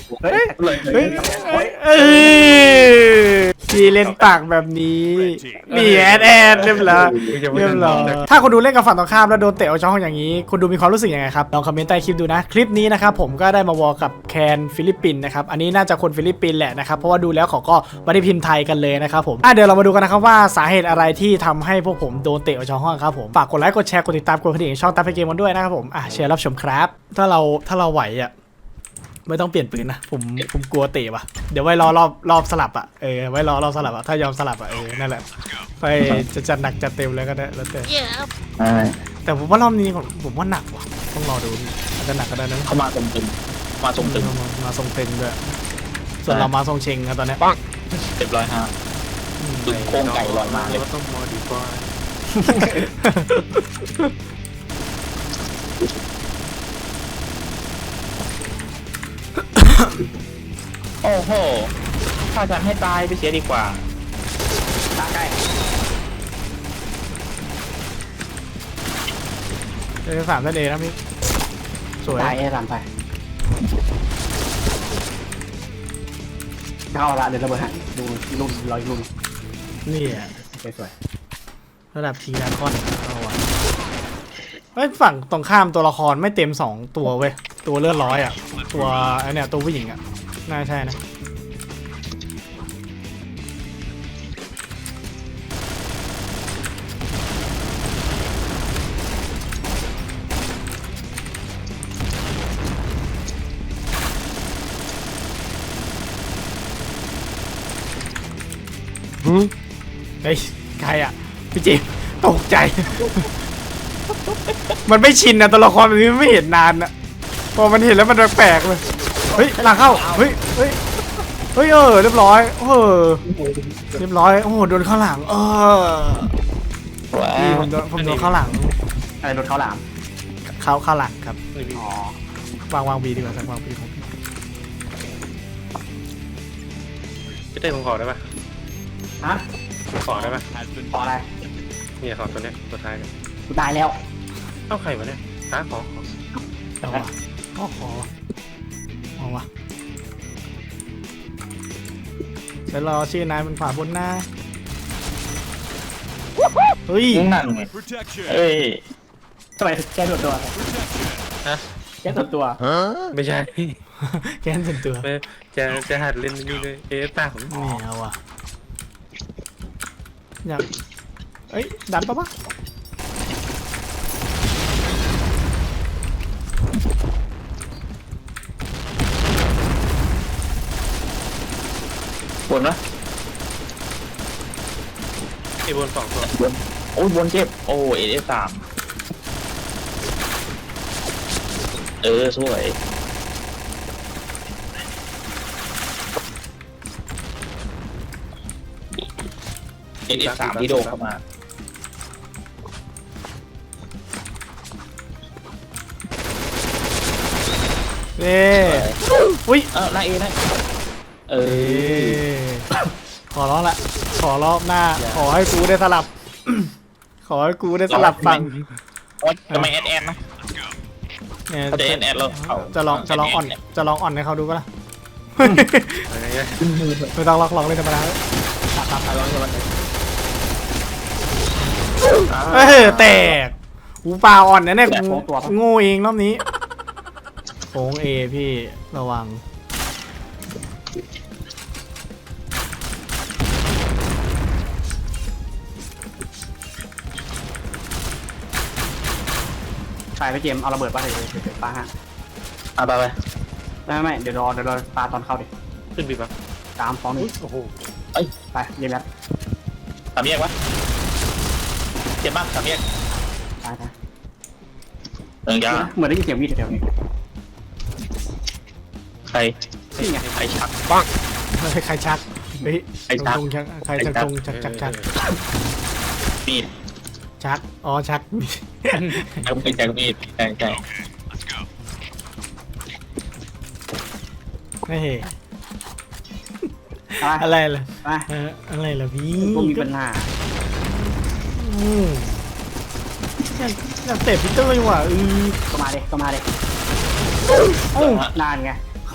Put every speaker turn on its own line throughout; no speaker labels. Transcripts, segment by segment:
เฮ้ย
เฮ้ยพี่เล่นปากแบบนี้นี่แอดเรียบร้อยถ้าคนดูเล่นกับฝั่งตรงข้ามแล้วโดนเตะออกจากห้องอย่างนี้คุณดูมีความรู้สึกยังไงครับลองคอมเมนต์ใต้คลิปดูนะคลิปนี้นะครับผมก็ได้มาวอลกับแคนฟิลิปปินส์นะครับอันนี้น่าจะคนฟิลิปปินส์แหละนะครับเพราะว่าดูแล้วเขาก็ไม่ได้พิมพ์ไทยกันเลยนะครับผมเดี๋ยวเรามาดูกันนะครับว่าสาเหตุอะไรที่ทำให้พวกผมโดนเตะออกจากห้องครับผมฝากกดไลค์กดแชร์กดติดตามกดกระดิ่งช่องตามไปเกมกันด้วยนะครับผมเชิญรับชมครับถ้าเราไหวอ่ะไม่ต้องเปลี่ยนปืนนะผมกลัวเตะว่ะเดี๋ยวไว้รอบสลับอ่ะไว้รอบสลับอ่ะถ้ายอมสลับอ่ะนั่นแหละไปจะจัดหนักจัดเต็มเลยก็ได้แล้วแต่ผมว่ารอบนี้ผมว่าหนักว่ะต้องรอดูอาจจะหนักก็ได้นะ
เขามาทรงตึงมาทรงตึง
มาทรงเต็งด้วยส่วนเรามาทรงเชงครับตอนนี้
เรียบร้อยฮะตึงโค้งไก่ลอยมาเลย
ต้องมอดิฟาย
โอ้โหถ้าฉันให้ตายไปเสียดีกว่าตาใกล้
3นั่นเองนะพี่สวย
ตายตามไปเข้าละเดี๋ยวระเบิดฮะดูลุ่นลอยลุ่น
นี่
สวย
ระดับทีละคอนเอาวะฝั่งตรงข้ามตัวละครไม่เต็ม2ตัวเว้ยตัวเลือดร้อยอ่ะตัวไอเนี่ยตัวผู้หญิงอ่ะน่าใช่นะเฮ้ยใครอ่ะพี่เจมตกใจ มันไม่ชินนะตัวละครแบบนี้ไม่เห็นนานนะพอมันเห็นแล้วมันแปลกเลยเฮ้ยหลังเข้าเฮ้ยเรียบร้อยเรียบร้อยโอ้โหโดนข้างหลังพี่ผมโดนข้างหลัง
อะไรโดนเขาหลาม
ข้างหลังครับอ๋อวางบีดีกว่าสักวางบีของ
พี่เต้ผมขอได้ปะ
ฮะ
ขอได้ปะ
ขออะไร
เนี่ยขอตัวเนี้ยตัวท้ายเนี่ย
กูตายแล้ว
เอ้าใครวะเนี่ยขอ
เอาวะขอเอาวะเดี๋ยวรอชื่อนายมันขวาบนหน้าเฮ้ย
นั่นไงเอ้ย
ทำไมแกโดดตัว
ฮะ
แกโดดตัว
ไม่ใช่
แกนเป็นตัว
จะหัดเล่นนี่เลยตาผม
ไม่เอาว่ะอยากดันปะ
บนนะ
ไอ้บน2ตัว
บนโอ้ยบนเจ็บโอ้AF3สวยAF3ที่โดนเข้ามา
อุ้ย
หน้าเอนะ
ขอร้องละขอรอบหน้าขอให้กูได้สลับขอให้กูได้สลับฝั่ง
ทำไมแอดนะเขาจะแอดเรา
จะลองอ่อนให้เขาดูก็ล่ะไม่ต้องลองเลยธรรมดาแตกหูเปล่าอ่อนนะเนี่ยโง่เองรอบนี้โค้งเอพี่ระวัง
ไปพี่เจมเอาระเบิดป่ะเดี๋ยวปาฮะ
ไป
ไม่เดี๋ยวรอปาตอนเข้าดิ
ขึ้นบีบปะ
3 2 1
โอ้โห
ไปเย็นแล้ว
สามแยกวะเจ็บมากสามแยก
ไป
ยา
เหมือนได้ยินเสียงวิ่งแถวนี้
ใครชัก
บ้างใครชักเฮ้ยใครชักชัก
มีด
ชักชัก
มีดใช่
ไม่เห็นอะไรล่ะอะไรล่ะพี่
ก็มีปัญหา
อยากเตะพีเตอร์เลยว่ะ
ก็มาเลยนานไง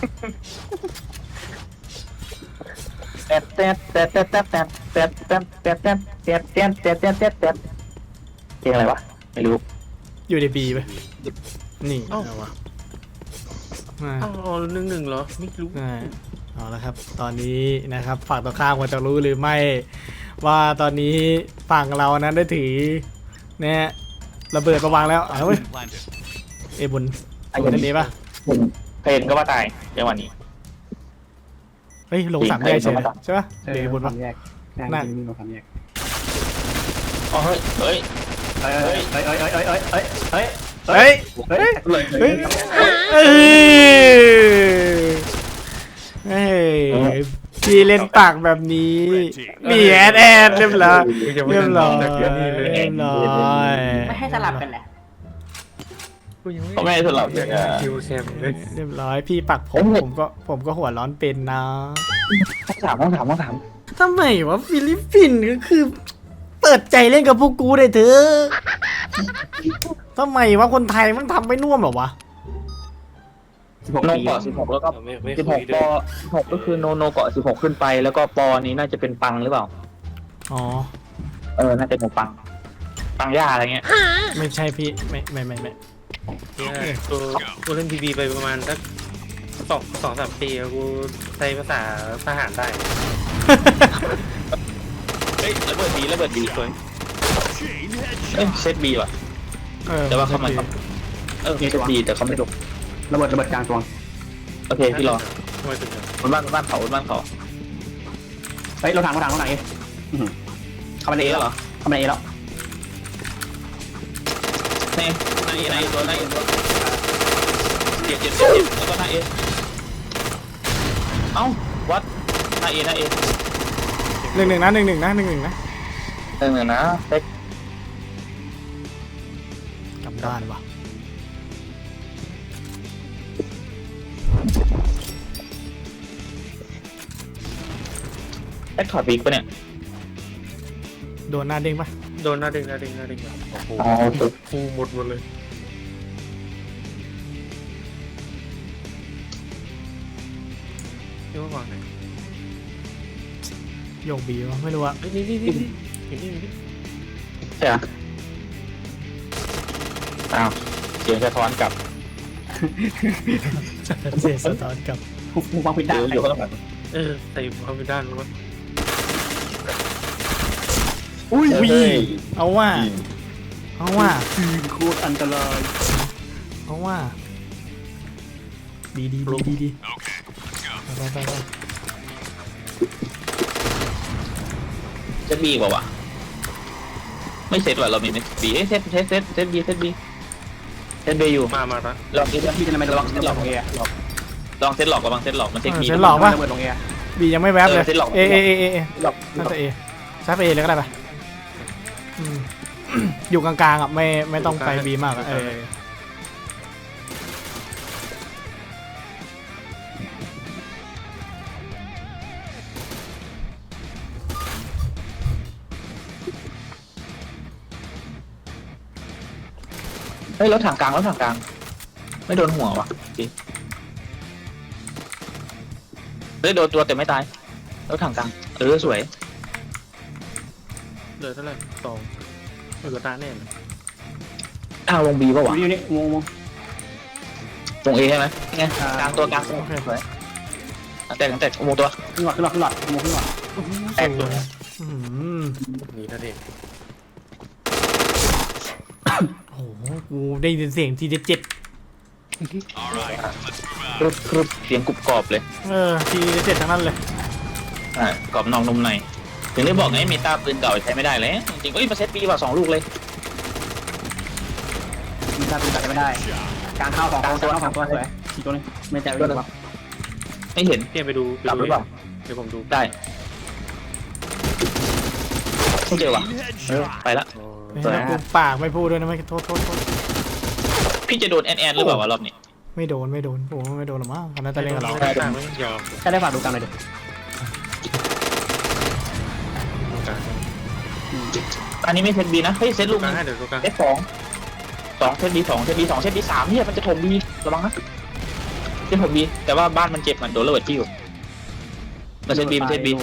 แตะแตะแตะแตะแตะแตะแตะแตะแตะแตะแตะแตะแตะแตะแตะแตะเพลงอะไรวะไม่รู้
อยู่ในบีไปนี่
เอ้า
เอาวะอ่า
อ้าว1-1เหรอไม่รู้
เอาละครับ ตอนนี้นะครับฝั่งตรงข้ามควรจะรู้หรือไม่ ว่าตอนนี้ฝั่งเรานั้นได้ถือเนี่ยระเบิดประวางแล้วเอาเว้ยเอบุญไอ้บุญนี้ปะ
เพลงก็ว่าตายจังหวะนี้
เฮ้ยลงสามแยกใช่ไหมใช่ปะเอบุญ
ค
ปะ
วามแยก
นั่
นั่
น
งมีความแยก
อ๋อเฮ้ยเฮ้ย
เอ้ยเอ้ยเอ้ยเอ้ยเอ้ยเอ้ยเอ้ย
เฮ้ย
เฮ้ย
เลย
เฮ้ยเฮ้ยพี่เล่นปากแบบนี้มีแอดเรียบร้อยเรียบร้อยเรียบร้อย
ไม่ให้สลับกันแหละ
กูยัง
เขาไม่ให้สลับ
อยาก
อ่ะ
คิวแซมเลย
เรียบร้อยพี่ปักผมก็หัวร้อนเป็นนะ
ต้องถาม
ทำไมวะฟิลิปปินส์ก็คือ เปิดใจเล่นกับพวกกูได้เถอะทำไมวะคนไทยมันทำไม่น่วมหรอวะ
โนเกาะ16แล้วก็
ไม่คุย
16
ด้
ป
วย
16ก็คือโนเกาะ16ขึ้นไปแล้วก็ปอนี้น่าจะเป็นปังหรือเปล่า
อ๋อ
น่าจะเป็นปังย่าอะไรเงี้ย
ไม่ใช่พี่ไม่
เนี่ยกูเล่นพีบีไปประมาณสัก2-3 ปีอะกูใช้ภาษาทหารได้
เฮ้ยระเบิดบีสวยเอ้ยเซตบีว่ะ แต่ว่าเข้ามาครับเซตบีแต่เขาไม่จบ
ระเบิดกลางตัว
โอเคพี่รอ
ทำไมถึงอะ
บนบ้านเขา
เฮ้ยรถถังเอเข้ามาในเอแล้วเหรอเข้ามาในเอแล้ว
ในตัวเจ็บแล้วก็หน้าเอเอ้าวัดหน้าเอ
1-1นะ
เซ็ก
กลับบ้านวะ
แอคถอดบิ๊กปะเนี่ย
โดนหน้าเด้งปะ
โดนหน้าเด้งแบบโอ้โห
อ๋อ
ฟูหมดเลยนี่ว่าวางไหน
โยกบีวะไม่รู้อะ
เฮ้ยนี่
ใช่เหรออ้าวเสียงสะท้อนกลับ
เสียสะท้อนกลับ
หูฟังผิดด้าน
อยู่ข้างหลัง
ใส่ความเป็นด้านมั้ง
อุ้ยเอาว่า
คือโคตรอันตราย
เอาว่าดีไป
เซตบีกว่าวะไม่เซตว่ะเรามีบีเซตบีอยู่
มาปะ
ลองเซต
พี่จะทำไมระวัง
เซตหลอก
ลงเอ
ลองเซตหลอกกับลองเซตหลอกมันเซตบี
เซตหลอกปะ
ระเบิดลงเอ
บียังไม่แวบเลย
เซตหลอก
เอ
หลอก
น่าจะเอซับเอเลยก็ได้ปะอยู่กลางๆอ่ะไม่ต้องไปบีมากอะ
เฮ้ยรถถังกลางไม่โดนหัววะจริงเฮ้ยโดนตัวแต่ไม่ตายรถถังกลางสวย
เหลือเท่าไหร่2เหลือตาแน่เลย
อ้าวลงบีป่ะวะ
อยู่นี่งง
ลงเอใช่ไหมไงกลางตัวสวยแต่วงตัว
ขึ้นหลอดขึ้นหลอดขึ้นหลอด
แตกตัว
นี่นั่นเอง
โอ้โหกูได้ยินเสียงทีเจ็ด
ครึบเสียงกรุบกรอบเลย
ทีเจ็ดทั้งนั้นเลย
กรอบนองนมในถึงได้บอกไงเมตาปืนเก่าใช้ไม่ได้เลยจริงๆมาเซตบีว่า2 ลูกเลย
ถ้าตีตัดไม่ได้กลางเข้า2ตัวสวยอีกตัวนึงไม่แจกไม่ได้
ไม่เห็น
เตรียมไปดู
กลับหรือเปล่า
เดี๋ยวผมดู
ได้ไม่เจอว่ะไปละ
แล้วกูปากไม่พูดด้วยนะไม่โทษ
พี่จะโดนแอนหรือเปล่าวะรอบนี้
ไม่โดนโอ้ไม่โดนหรอมั้งคณะจะเล่นกับเรา
ไม่ได้ไม่ยอม
แค่ได้ฝากดูกันเลยดิ
อันนี้ไม่เซตบีนะเฮ้ยเซตลูก
กลาง
นะ
ให้เดี๋ยวดูกลาง
เซตสองเซตบี2เซตบี2เซตบี3เนี่ยมันจะถมบีระวังนะเซตถมบีแต่ว่าบ้านมันเจ็บมันโดนระเบิดที่อยู่มันเซตบีมันเซต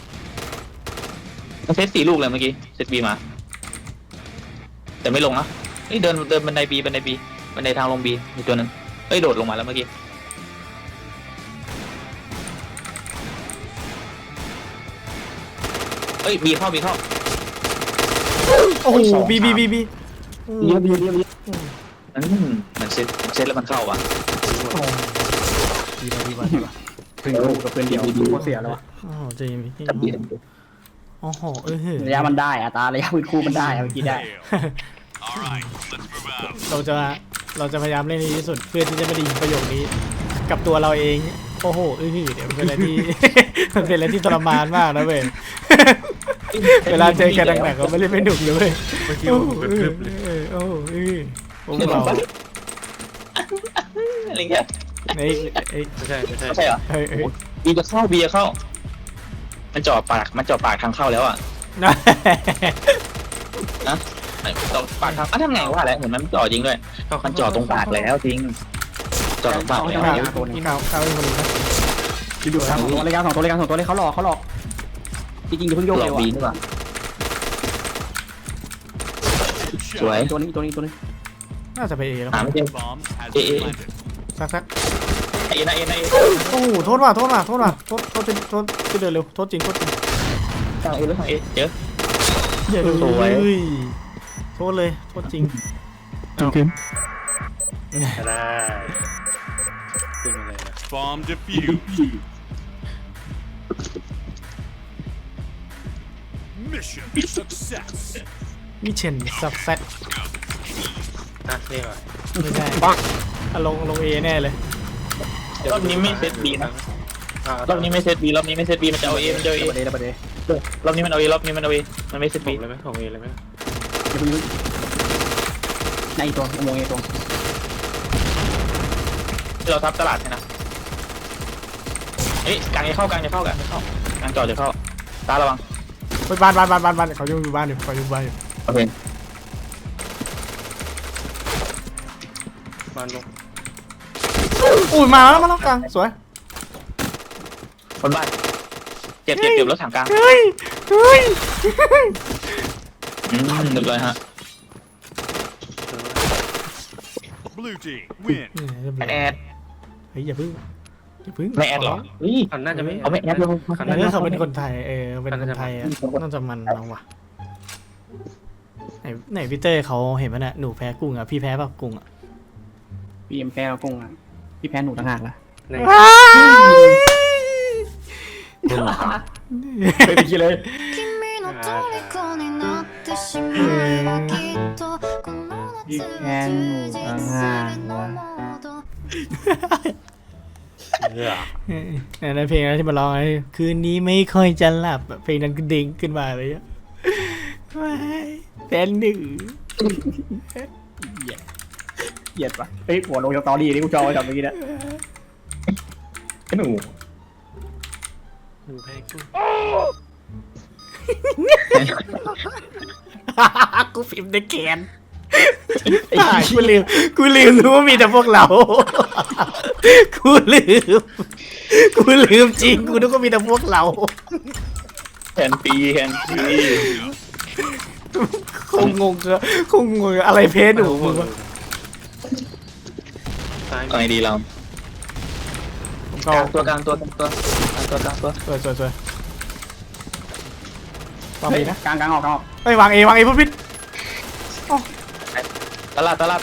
4 ลูกเลยเมื่อกี้เซตบีมาแต่ไม่ลงนะนี่เดินบันไดบีบันไดทางลงบีมีตัวนึงเอ้ยโดดลงมาแล้วเมื่อกี้เอ้ยบีเข้า
โอ้โหบี
เยอะมันเซตแล้วมันเข้าว่ะ
ดีว่ะ
ถึงลูกกับเพื่อนเดียวโคตรเสียแล้ววะ
โอ้โหเจมี่
จับบี
โอ้โห
ระยะมันได้อัตราระยะพื้นคู่มันได้เมื่อกี้ได้
เราจะพยายามเล่นให้ดีที่สุดเพื่อที่จะไม่ได้ยินประโยคนี้ กับตัวเราเองโอ้โหเดี๋ยวเป็นอะไรที่ มันเป็นอะไรที่ทรมานมากนะเว้ยเวลาเจอกันหนักๆก็ไม่เล่นไม่หนุกเลยเว้ย
เมื่อกี้
โอ้
ผม
โห
เป็นคลิปเลย
โอ้โหพวกเรา
อะไรเงี้ย
ไอ้
ไม่ใช่
ไม่ใช่เหรอ
เฮ้ย
บีจะเข้ามันจ่อปากทางเข้าแล้วอ่ะนะจ่อปากทางทำไงว่าแล้วเห็นมันจ่อจริงด้วยมันจ่อตรงปากแล้วจริงจ่อตรงปากแล้ว
นี่ข้าวอีกคนนึงนะ
ดูครับ2 ตัวเลยเขาหลอกจริงๆอย่าเพิ่งโยก
หล
เล
อย ก
ว่ะ
บีนี่ป่ะสวย
ตัวนี้
น่าจะไปเอแล้ว
หาไม่เจอเอ
สัก
เอนะ
โอ้โหโทษว่ะโทษที่เดินเร็วโทษจริง
ทางเอหรือทางเอเจอ
อย่า
สวย
โทษเลยโทษจริง
ได้เป็นอะไรนะ
Bomb defused. Mission success.
มิเชนซับแซด
นี่ก่อน
ไม่ใช่ลงเอแน่เลย
รอบนี้ไม่เซตบีนะรอบนี้ไม่เซตบีมันจะเอาเอมันจะเอาเอ
ระเบิด
รอบนี้มันเอาเอมันไม่เซต
ผ
บี
มเลยไหมของเอเลยไหม
อย่าเพิ่งในตัวอุโมงค์ตัว
เราทับตลาดใช่นะเอ้ยกลางจะเข้ากลางจอจะเข้าตาระวัง
ไปบ้านเขาอยู่บ้านอยู่
โอเค
บ้านลง
อุ้ยมาแล้วกลางสวย
คนบ้านเจ็บรถถังกลาง
เฮ้ย
เรียบร้อยฮะ
Blue team win.
แอด
เฮ้ยอย่าพึ่ง
ไม่แอดหรอเฮ้ย
น่าจะไม่
เอาไม่แอดเลย
คัน
อัน
นั้น
นี้เขาเป็นคนไทยเป็นคนไทยน่าจะมันเอาว่ะไหนพี่เต้เขาเห็นไหมเนี่ยหนูแพ้กุ้งอ่ะพี่แพ้ป่ะกุ้งอ่ะ
พี่แพ้เรากุ้งอ่ะพี่แพ้หนูต่างหากล่ะไม่ไปคิดเลย พี่แพ้หนูต่างหากล่ะ
ในเพลงนั้นที่มาร้องไอ้คืนนี้ไม่ค่อยจะหลับเพลงนั้นก็ดิ่งขึ้นมาเลยอ่ะเป็นหนึ่ง
เหยียดปะเฮ้ยหัวลงจากตอรี่นี่กูจอไว้ทำเมื่อกี้นะ
หนู
ดูแพ้กุ้ง
กูพิมพ์ในแกนกูลืมรู้ว่ามีแต่พวกเรากูลืมจริงกูนึกว่ามีแต่พวกเรา
แคนปี
คงงอะไรเพจหนูมึงวะ
ซ้าย
ตอนไหนดีเรา
ผม
ก
ก็
ลางตัว
สวยวางเอนะ
กลางออก
เฮ้ยวางเอพุทธพิษ
ตลาดแล้ว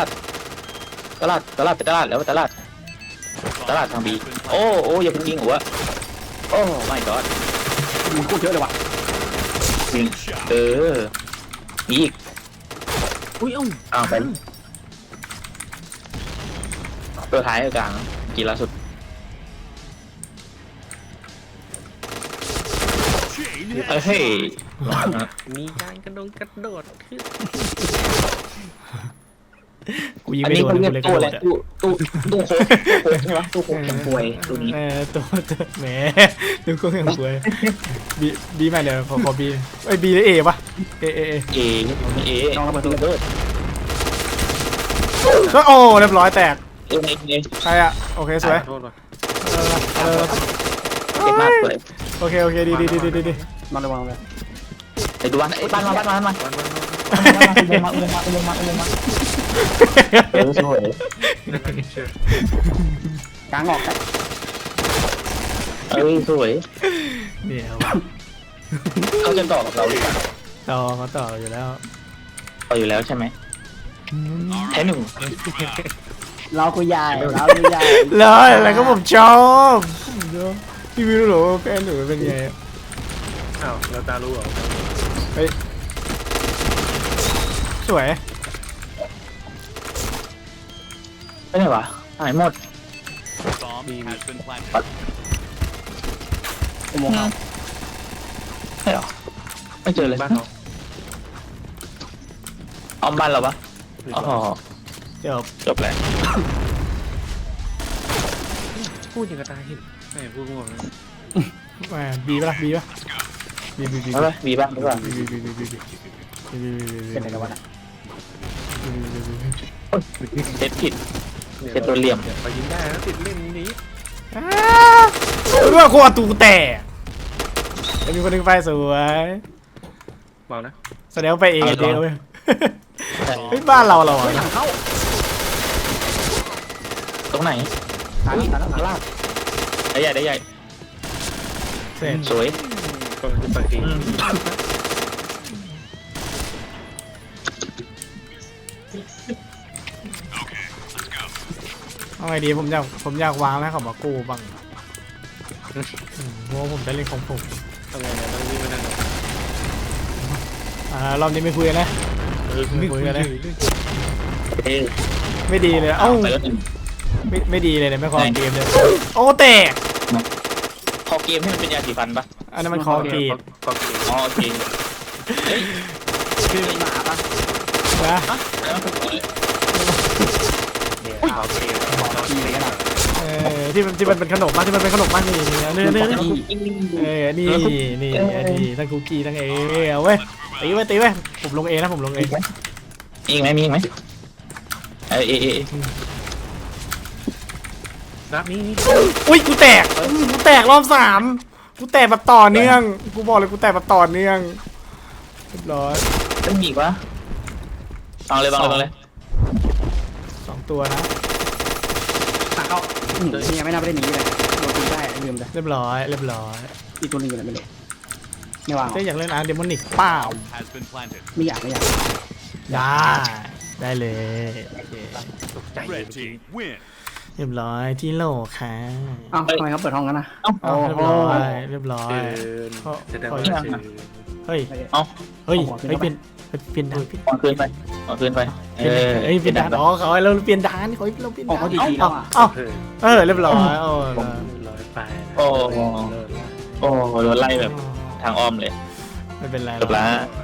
ตลาดทางบีโอ้อย่าเพิ่งยิงหัวโอ้ไม่กอด
มึงพูดเยอะเลยว่ะ
ยิงอีก
อุ้ยเอ้า
อ้าวไปตัวท้ายกลางกี่ล่าสุด
Chain
เฮ้ย
มีการกระโดดขึ้น
กูยิง
อัน
ไม่
นี้
โดน
เขาเรียก
เลย
ตู้อะไร
กระโดดอะ
ตู้โค้กใช่ไหมตู้โค้กแข็งป่วยตัวนี้
ตัวแหมดูก็ยังสวยบีมาเดี๋ยวขอบีไอ้บีหรือเอปะเอ
เอ
ลองระเบิด
เบิด
ก็โอ้เรียบร้อยแตก
เอเอ
ใครอะโอเคสวย
โทษว่ะ
เก่งมากเลย
โอเคดี
นอนระวังเลย
ไอ้ดูบ้านไอ้บ้านมาลงมาสวย
กลางออก
สวย
เดี๋ยว
เขาจะต่อกับเราหรือเปล่า
ต่อเขาต่ออยู่แล้ว
ต่ออยู่แล้วใช่ไหมแค่หนึ่ง
เราคุยใหญ่เราคุยใหญ่
เลยอะไรก็ผมชอบพี่ไม่รู้หรอว่าแฟนหนูเป็นไง
อ้าวเราตารู้เหรอ
สวย
ไม่ไหนวะหายหมด
bomb has been planted.
อุโมงค์
ใช่หรอไม่เจอเลย
บ้านเรา
เอาบ้านเราปะอ๋อ
เดี๋ยว
จบแล้ว
พูดอย่างกระตายเห็นไม่พูดงงเลย
มาบีปะบี
เอาไปมีบ้างหรือเปล่า
เป็นอะไรกันวะ
เซตผิด เจ็บตัวเหลี่ยม
ไปยิงได้แล้วติดเล่นนี้
เรื่องโคตรตูแต่มีคนนึงไปสวย
บอกนะ
แสดงว่าไปเองเดียวเว้ยเฮ้ยบ้านเราเหรอ
หลังเข้า
ตรงไหน
ตายแล้วหลังล่าง
ได้ใหญ่ได้ใหญ่
เสร็จ
สวย
ก็คือปกติ
เอาไงดีผมอยากวางแล้วเขามากู้บ้างเพราะว่าผมจะเล่นของผม
ทำไงเนี่ยต้องวิ่งมานั่ง
รอบนี้ไม่คุยกันนะไม่คุยกันนะ
เอ้ย
ไม่ดีเลยเอ้า
ไปแล้วหนึ่ง
ไม่ดีเลยเนี่ยไม่คอเกมเลยโอ้แตก
พอเกมให้มันเป็นยาสีฟันปะ
อันนั้นมันคอเกม
ก็เกม
อ๋อโอเคเฮ้ย
คือหมาปะ
นะ
แล้วมันเป็น
เนี่ยเขาเกม
ทีเลยกันอ่ะ
ที่มันเป็นขนมมากที่มันเป็นขนมมากนี่เนื้อนี่ทั้งคุกกี้ทั้งเอาเว้ยตีไว้ผมลงเอนะผมลงเอ
มีอีกไหมมีอีกไหมเออ
รับนี่
อุ้ยกูแตกรอบ3กูแตกแบบต่อเนื่องกูบอกเลยกูแตกแบบต่อเนื่องเรียบร้อย
ต้องมีอีกวะบังเลย
2ตัวนะ
หลังเข้านี่ยังไม่น่าไปได้หนีเลยโดนตีได้ลืมเลย
เรียบร้อย
อีกตัวนึงอยู่ไหนไม่รู้ไม่วาง
เจ๊อยากเล่นอาร์เดมอนิกเปล่า
Has been planted.
ไม่อยาก
ได้เลย
ใจ
Red team win.
เรียบร้อยที่โหลค่ะ
อ้าวทำไมเขาเปิดห้องกันนะ
เรียบร้อย
แสดงว่าชื่อ
เฮ้ยเปลี่ยนด่าน
ขอคืนไปเป
เปลี่ยนด่านอ๋อเขาเราเปลี่ยนด่านเราเปลี่ยน
ออก
ด่า
เขา
น
ดีๆแล้วอ่ะ
เรียบร้อย
ร้อยไป
โอ้โดนไล่แบบทางอ้อมเลย
ไม่เป็นไร
จบละ
เ